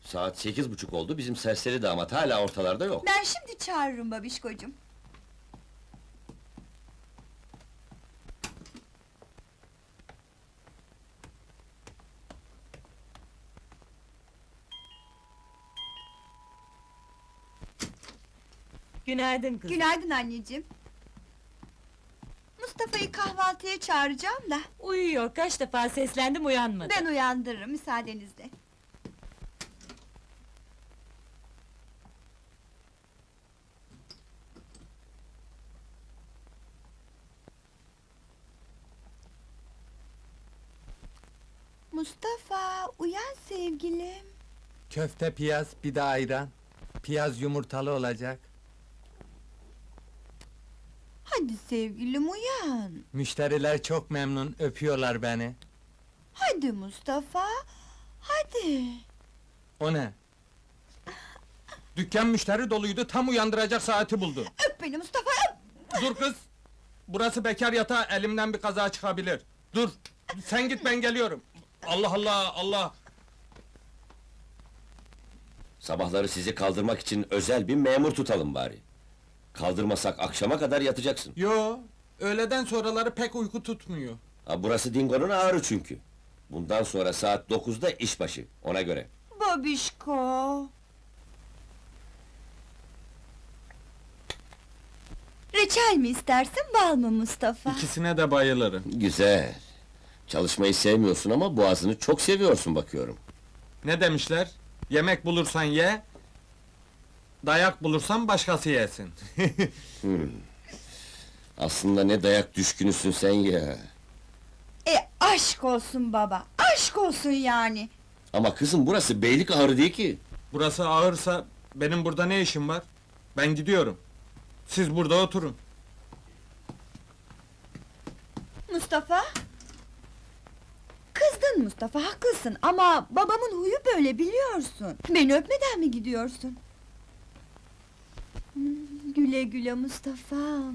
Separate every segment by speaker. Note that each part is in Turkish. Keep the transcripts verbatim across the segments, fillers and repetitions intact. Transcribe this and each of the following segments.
Speaker 1: Saat sekiz buçuk oldu, bizim serseri damat hala ortalarda yok.
Speaker 2: Ben şimdi çağırırım babişkocuğum.
Speaker 3: Günaydın kızım.
Speaker 2: Günaydın anneciğim. Mustafa'yı kahvaltıya çağıracağım da...
Speaker 3: Uyuyor, kaç defa seslendim uyanmadı.
Speaker 2: ...ben uyandırırım müsaadenizle. Mustafa, uyan sevgilim.
Speaker 4: Köfte, piyaz, bir de ayran. Piyaz yumurtalı olacak.
Speaker 2: Hadi sevgilim uyan.
Speaker 4: Müşteriler çok memnun, öpüyorlar beni.
Speaker 2: Hadi Mustafa, hadi.
Speaker 4: O ne? Dükkan müşteri doluydu, tam uyandıracak saati buldu.
Speaker 2: Öp beni Mustafa, öp!
Speaker 4: Dur kız! Burası bekar yatağı, elimden bir kaza çıkabilir. Dur! Sen git, ben geliyorum. Allah Allah, Allah!
Speaker 1: Sabahları sizi kaldırmak için özel bir memur tutalım bari. Kaldırmasak akşama kadar yatacaksın.
Speaker 4: Yo, öğleden sonraları pek uyku tutmuyor.
Speaker 1: Ha, burası Dingo'nun ağrı çünkü. Bundan sonra saat dokuzda işbaşı, ona göre.
Speaker 2: Babişko! Reçel mi istersin, bal mı Mustafa?
Speaker 4: İkisine de bayılırım.
Speaker 1: Güzel. Çalışmayı sevmiyorsun ama boğazını çok seviyorsun bakıyorum.
Speaker 4: Ne demişler? Yemek bulursan ye, dayak bulursan başkası yesin.
Speaker 1: Aslında ne dayak düşkünüsün sen ya.
Speaker 2: E aşk olsun baba, aşk olsun yani!
Speaker 1: Ama kızım burası beylik ağrı değil ki.
Speaker 4: Burası ağırsa, benim burada ne işim var? Ben gidiyorum. Siz burada oturun.
Speaker 2: Mustafa? Kızdın Mustafa, haklısın ama babamın huyu böyle biliyorsun. Beni öpmeden mi gidiyorsun? Hmm, güle güle Mustafa'm.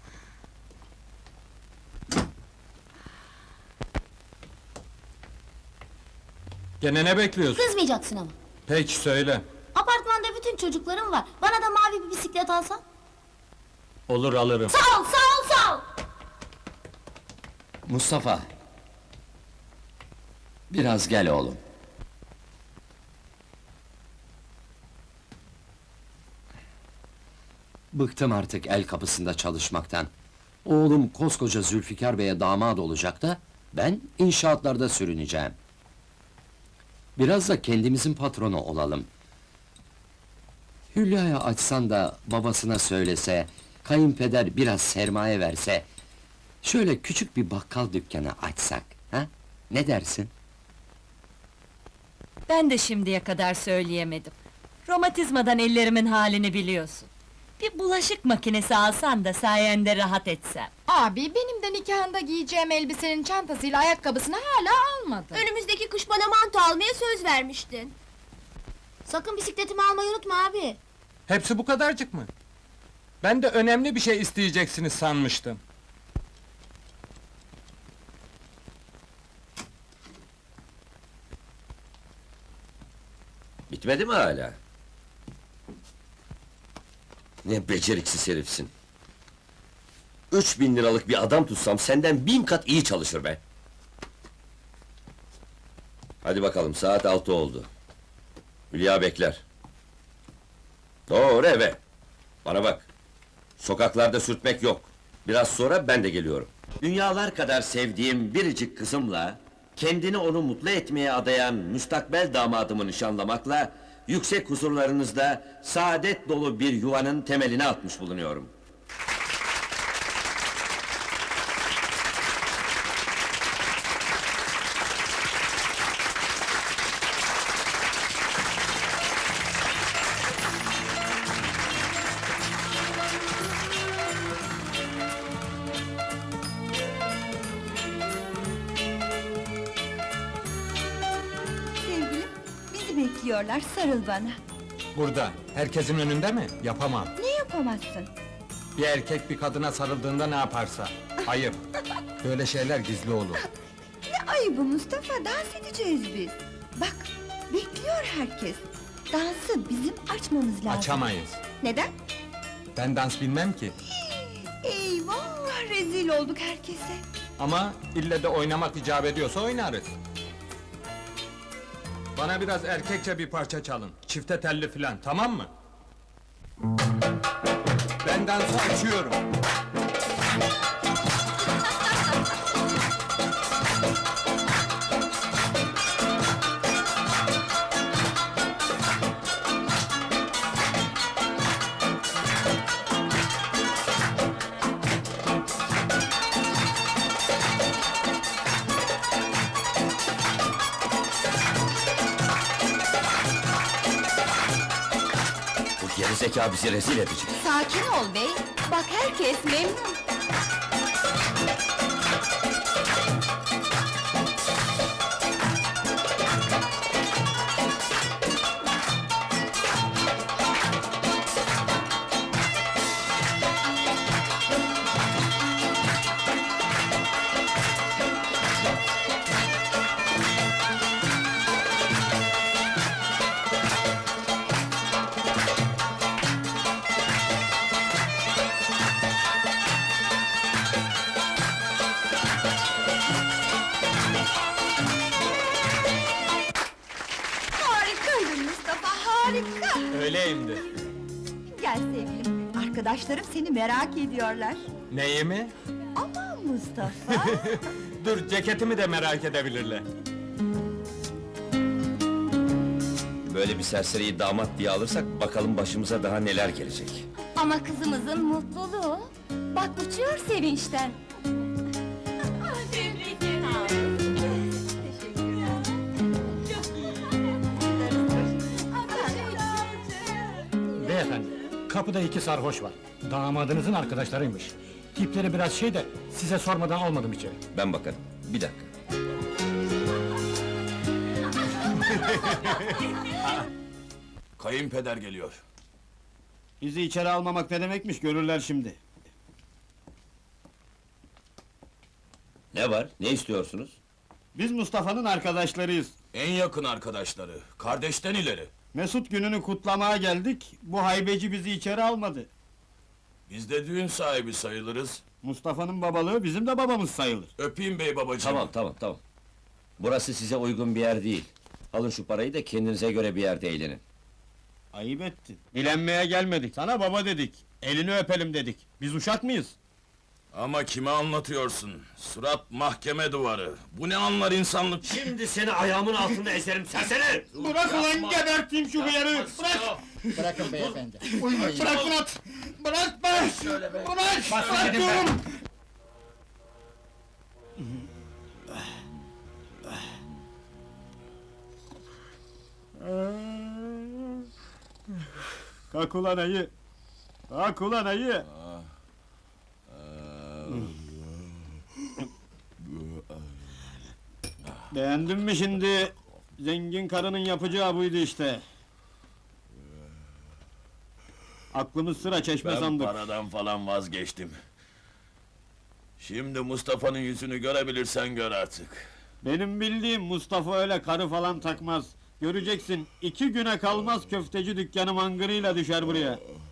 Speaker 4: Gene ne bekliyorsun?
Speaker 5: Kızmayacaksın ama.
Speaker 4: Peki söyle.
Speaker 5: Apartmanda bütün çocuklarım var. Bana da mavi bir bisiklet alsan.
Speaker 4: Olur, alırım.
Speaker 5: Sağ ol, sağ ol, sağ ol!
Speaker 1: Mustafa! Biraz gel oğlum.
Speaker 6: Bıktım artık el kapısında çalışmaktan. Oğlum koskoca Zülfikar Bey'e damat olacak da... ...ben inşaatlarda sürüneceğim. Biraz da kendimizin patronu olalım. Hülya'ya açsan da babasına söylese... ...kayınpeder biraz sermaye verse... ...şöyle küçük bir bakkal dükkanı açsak, ha? Ne dersin?
Speaker 3: Ben de şimdiye kadar söyleyemedim. Romatizmadan ellerimin halini biliyorsun. Bir bulaşık makinesi alsan da sayende rahat etsem.
Speaker 7: Abi, benim de nikahında giyeceğim elbisenin çantasıyla ayakkabısını hala almadın.
Speaker 5: Önümüzdeki kış bana manto almaya söz vermiştin. Sakın bisikletimi almayı unutma abi.
Speaker 4: Hepsi bu kadarcık mı? Ben de önemli bir şey isteyeceksiniz sanmıştım.
Speaker 1: Bitmedi mi hala? Ne beceriksiz herifsin! Üç bin liralık bir adam tutsam senden bin kat iyi çalışır be! Hadi bakalım, saat altı oldu. Hülya bekler. Doğru eve! Bana bak! Sokaklarda sürtmek yok! Biraz sonra ben de geliyorum. Dünyalar kadar sevdiğim biricik kızımla... ...kendini onu mutlu etmeye adayan müstakbel damadımı nişanlamakla... ...yüksek huzurlarınızda saadet dolu bir yuvanın temelini atmış bulunuyorum.
Speaker 2: Sevgilim, bizi bekliyorlar, sarıl bana.
Speaker 4: Burada, herkesin önünde mi? Yapamam.
Speaker 2: Ne yapamazsın?
Speaker 4: Bir erkek bir kadına sarıldığında ne yaparsa. Ayıp. Böyle şeyler gizli olur.
Speaker 2: Ne ayıbı Mustafa, dans edeceğiz biz. Bak, bekliyor herkes. Dansı bizim açmamız lazım.
Speaker 4: Açamayız.
Speaker 2: Neden?
Speaker 4: Ben dans bilmem ki.
Speaker 2: Eyvah, rezil olduk herkese.
Speaker 4: Ama ille de oynamak icap ediyorsa oynarız. Bana biraz erkekçe bir parça çalın. Çifte telli filan, tamam mı? Ben dansı açıyorum.
Speaker 1: Bu gerizekalı bizi rezil edecek.
Speaker 2: Sakin ol bey, bak herkes memnun. Harikaydın Mustafa, harika!
Speaker 4: Öyleyimdir.
Speaker 2: Gel sevgilim, arkadaşlarım seni merak ediyorlar.
Speaker 4: Neyi mi?
Speaker 2: Aman Mustafa!
Speaker 4: Dur, ceketimi de merak edebilirler.
Speaker 1: Böyle bir serseriyi damat diye alırsak bakalım başımıza daha neler gelecek.
Speaker 5: Ama kızımızın mutluluğu. Bak uçuyor sevinçten.
Speaker 8: Beyefendi, kapıda iki sarhoş var. Damadınızın arkadaşlarıymış. Tipleri biraz şey de, size sormadan almadım içeri.
Speaker 1: Ben bakarım. Bir dakika.
Speaker 9: Kayınpeder geliyor.
Speaker 8: Bizi içeri almamak ne demekmiş, görürler şimdi.
Speaker 1: Ne var? Ne istiyorsunuz?
Speaker 8: Biz Mustafa'nın arkadaşlarıyız.
Speaker 9: En yakın arkadaşları, kardeşten ileri.
Speaker 8: Mesut gününü kutlamaya geldik, bu haybeci bizi içeri almadı.
Speaker 9: Biz de düğün sahibi sayılırız.
Speaker 8: Mustafa'nın babalığı bizim de babamız sayılır.
Speaker 9: Öpeyim bey babacığım.
Speaker 1: Tamam, tamam, tamam. Burası size uygun bir yer değil. Alın şu parayı da kendinize göre bir yerde eğlenin.
Speaker 8: Ayıp ettin. Dilenmeye gelmedik, sana baba dedik. Elini öpelim dedik. Biz uşak mıyız?
Speaker 9: Ama kime anlatıyorsun? Surat mahkeme duvarı. Bu ne anlar insanlık?
Speaker 1: Şimdi seni ayağımın altında ezerim serseri!
Speaker 8: Bırak ulan, geberteyim şu hıyarı! Bırak!
Speaker 10: Bırakın beyefendi.
Speaker 8: Bırak Murat! Bırak be! Bırak! Bırak diyorum! Kalk ulan ayı! Kalk ulan ayı! Beğendin mi şimdi? Zengin karının yapacağı buydu işte. Aklımız sıra çeşme
Speaker 9: Ben
Speaker 8: sandık.
Speaker 9: paradan falan vazgeçtim. Şimdi Mustafa'nın yüzünü görebilirsen gör artık.
Speaker 8: Benim bildiğim Mustafa öyle karı falan takmaz. Göreceksin, iki güne kalmaz köfteci dükkanı mangırıyla düşer buraya.